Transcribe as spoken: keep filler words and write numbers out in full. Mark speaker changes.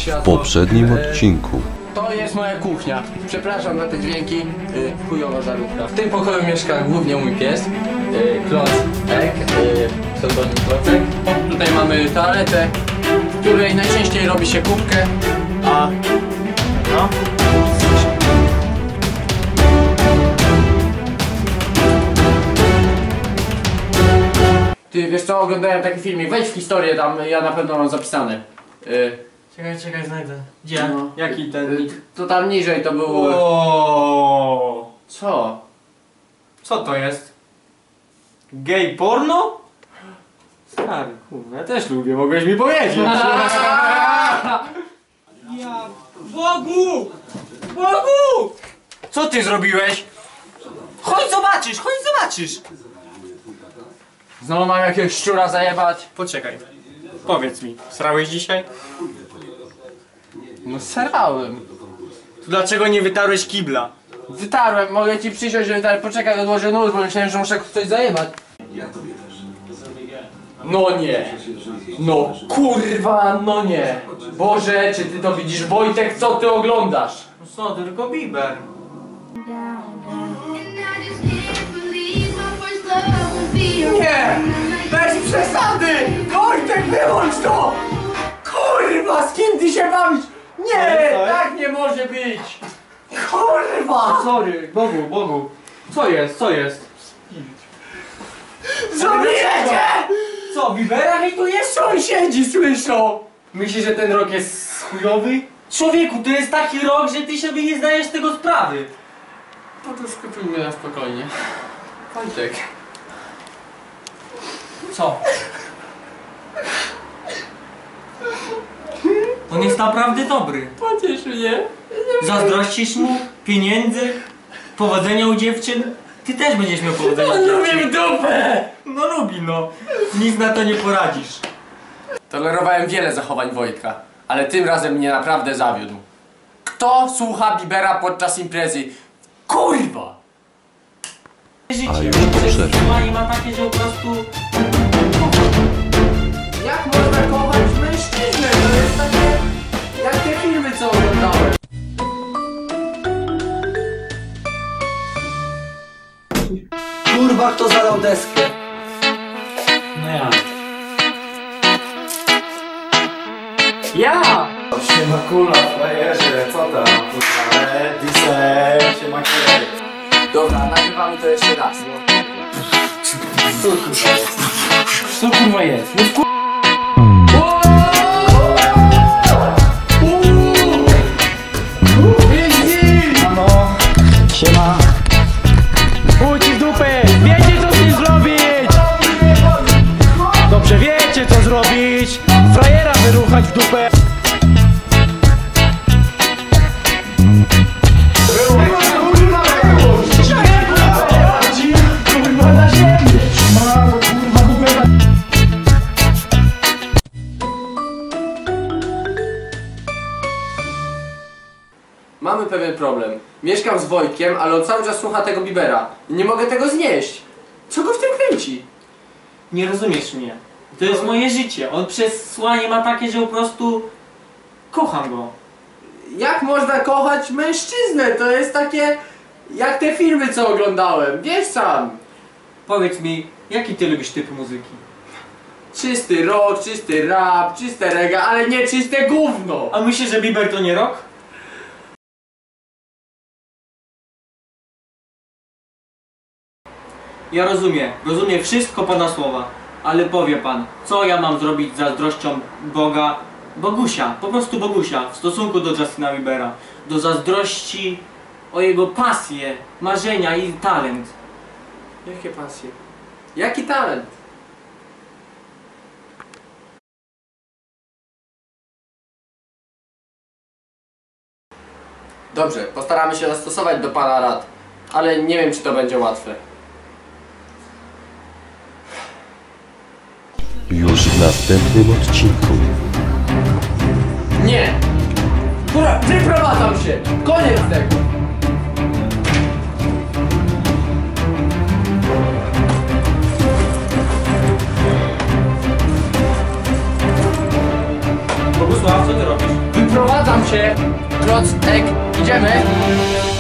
Speaker 1: światło.
Speaker 2: W poprzednim odcinku.
Speaker 1: To jest moja kuchnia. Przepraszam za te dźwięki. Yy, chujowa żarówka. W tym pokoju mieszka głównie mój pies. Yy, Kloc Ek. Yy, pseudonim Klocek. Tutaj mamy toaletę, w której najczęściej robi się kubkę. A... no. Ty wiesz co, oglądałem taki filmik, wejdź w historię tam, ja na pewno mam zapisane. Yy.
Speaker 3: Czekaj, czekaj, znajdę. Gdzie?
Speaker 1: No.
Speaker 3: Jaki ten nick?
Speaker 1: To tam niżej to było...
Speaker 3: O.
Speaker 1: Co?
Speaker 3: Co to jest? Gay porno? Stary, kurwa, ja też lubię, mogłeś mi powiedzieć. Ja... Bogu! Bogu! Co ty zrobiłeś? Chodź zobaczysz, chodź zobaczysz!
Speaker 1: Znowu mam jakiegoś szczura zajebać.
Speaker 3: Poczekaj, powiedz mi, srałeś dzisiaj?
Speaker 1: No serałem.
Speaker 3: To dlaczego nie wytarłeś kibla?
Speaker 1: Wytarłem, mogę ci przysiąść, że wytarłem. Poczekaj, odłożę nóż, bo myślałem, że muszę coś zajebać. No nie. No kurwa, no nie. Boże, czy ty to widzisz? Wojtek, co ty oglądasz?
Speaker 3: No co, tylko Bieber. Nie! Bez przesady! Wojtek, wyłącz to!
Speaker 1: Kurwa, z kim ty się bawisz? Nie, tak nie może być. Kurwa!
Speaker 3: Sorry, Bogu, Bogu. Co jest, co jest?
Speaker 1: Zabijecie!
Speaker 3: Co, Biebera hejtujesz?
Speaker 1: Sąsiedzi słyszą!
Speaker 3: Myślisz, że ten rok jest chujowy? Człowieku, to jest taki rok, że ty sobie nie zdajesz tego sprawy.
Speaker 1: No to skupimy na spokojnie. Wojtek.
Speaker 3: Co? On jest naprawdę dobry.
Speaker 1: Pociesz mnie.
Speaker 3: Zazdrościsz mu pieniędzy, powodzenia u dziewczyn. Ty też będziesz miał powodzenia u
Speaker 1: On
Speaker 3: dziewczyn.
Speaker 1: lubi w dupę!
Speaker 3: No lubi, no. Nic na to nie poradzisz.
Speaker 1: Tolerowałem wiele zachowań Wojtka, ale tym razem mnie naprawdę zawiódł. Kto słucha Biebera podczas imprezy? Kurwa!
Speaker 3: Życie,
Speaker 2: A już po przerwie.
Speaker 3: i ma takie, że po prostu...
Speaker 1: Jak można kochać mężczyznę? To jest takie... jak te filmy, co oglądałem.
Speaker 4: Kurwa, kto zalał deskę?
Speaker 3: No ja.
Speaker 1: Ja!
Speaker 4: Siema kula, frajerze, co tam? Kurwa, disek, siema kierek.
Speaker 1: Dobra, nagrywamy to jeszcze raz.
Speaker 3: Co kurwa jest? Co kurwa jest? No kur...
Speaker 5: Mamo, siema. Pójdź w dupę, wiecie co z tym zrobić. Dobrze wiecie co zrobić. Frajera wyruchać w dupę.
Speaker 1: Mamy pewien problem. Mieszkam z Wojtkiem, ale on cały czas słucha tego Biebera. I nie mogę tego znieść. Co go w tym kręci?
Speaker 3: Nie rozumiesz mnie. To jest moje życie. On przesłanie ma takie, że po prostu... kocham go.
Speaker 1: Jak można kochać mężczyznę? To jest takie... jak te filmy, co oglądałem. Wiesz sam.
Speaker 3: Powiedz mi, jaki ty lubisz typ muzyki?
Speaker 1: Czysty rock, czysty rap, czyste reggae, ale nie czyste gówno.
Speaker 3: A myślisz, że Bieber to nie rock? Ja rozumiem, rozumiem wszystko pana słowa, ale powie pan, co ja mam zrobić z zazdrością Boga, Bogusia, po prostu Bogusia, w stosunku do Justina Biebera, do zazdrości o jego pasję, marzenia i talent.
Speaker 1: Jakie pasje? Jaki talent? Dobrze, postaramy się zastosować do pana rad, ale nie wiem, czy to będzie łatwe.
Speaker 2: Już w następnym odcinku.
Speaker 1: Nie! Kurwa, wyprowadzam się! Koniec tego!
Speaker 3: Bogusław, co ty robisz?
Speaker 1: Wyprowadzam się. Klocek, idziemy.